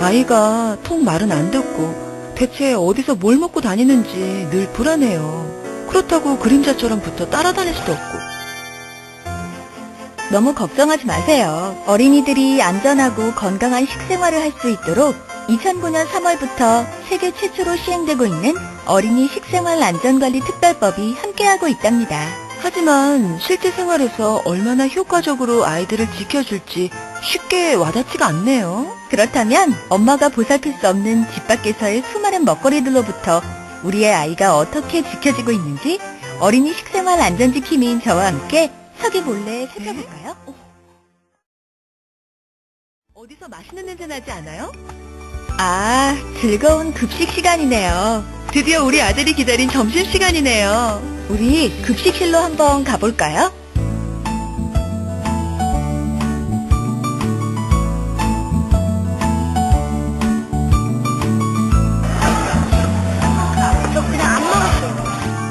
아이가 통 말은 안 듣고 대체 어디서 뭘 먹고 다니는지 늘 불안해요. 그렇다고 그림자처럼 붙어 따라다닐 수도 없고. 너무 걱정하지 마세요. 어린이들이 안전하고 건강한 식생활을 할 수 있도록 2009년 3월부터 세계 최초로 시행되고 있는 어린이 식생활 안전관리 특별법이 함께하고 있답니다. 하지만 실제 생활에서 얼마나 효과적으로 아이들을 지켜줄지 쉽게 와닿지가 않네요. 그렇다면 엄마가 보살필 수 없는 집 밖에서의 수많은 먹거리들로부터 우리의 아이가 어떻게 지켜지고 있는지 어린이 식생활 안전지킴이인 저와 함께 서기 몰래 살펴볼까요? 어디서 맛있는 냄새 나지 않아요? 아, 즐거운 급식 시간이네요. 드디어 우리 아들이 기다린 점심시간이네요. 우리 급식실로 한번 가볼까요? 저 그냥 안 먹었어요.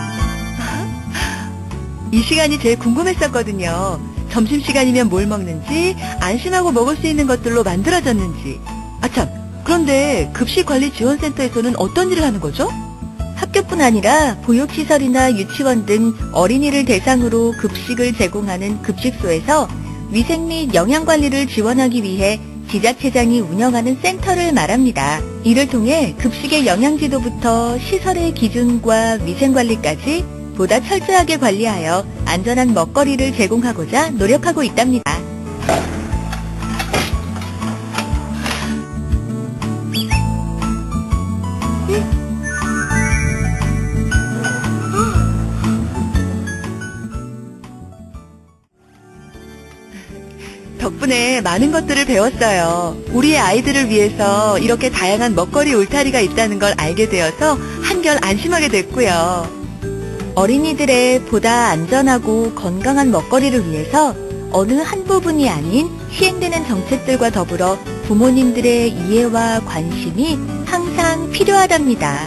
이 시간이 제일 궁금했었거든요. 점심시간이면 뭘 먹는지, 안심하고 먹을 수 있는 것들로 만들어졌는지. 아참, 그런데 급식관리지원센터에서는 어떤 일을 하는 거죠? 학교뿐 아니라 보육시설이나 유치원 등 어린이를 대상으로 급식을 제공하는 급식소에서 위생 및 영양관리를 지원하기 위해 지자체장이 운영하는 센터를 말합니다. 이를 통해 급식의 영양지도부터 시설의 기준과 위생관리까지 보다 철저하게 관리하여 안전한 먹거리를 제공하고자 노력하고 있답니다. 덕분에 많은 것들을 배웠어요. 우리의 아이들을 위해서 이렇게 다양한 먹거리 울타리가 있다는 걸 알게 되어서 한결 안심하게 됐고요. 어린이들의 보다 안전하고 건강한 먹거리를 위해서 어느 한 부분이 아닌 시행되는 정책들과 더불어 부모님들의 이해와 관심이 항상 필요하답니다.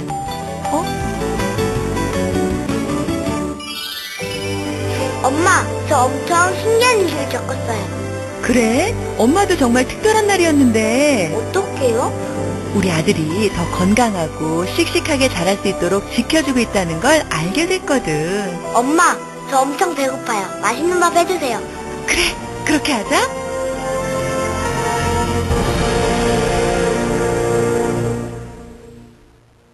엄마, 저 엄청 신기한 일을 겪었어요. 그래? 엄마도 정말 특별한 날이었는데 어떡해요? 우리 아들이 더 건강하고 씩씩하게 자랄 수 있도록 지켜주고 있다는 걸 알게 됐거든. 엄마, 저 엄청 배고파요. 맛있는 밥 해주세요. 그래, 그렇게 하자.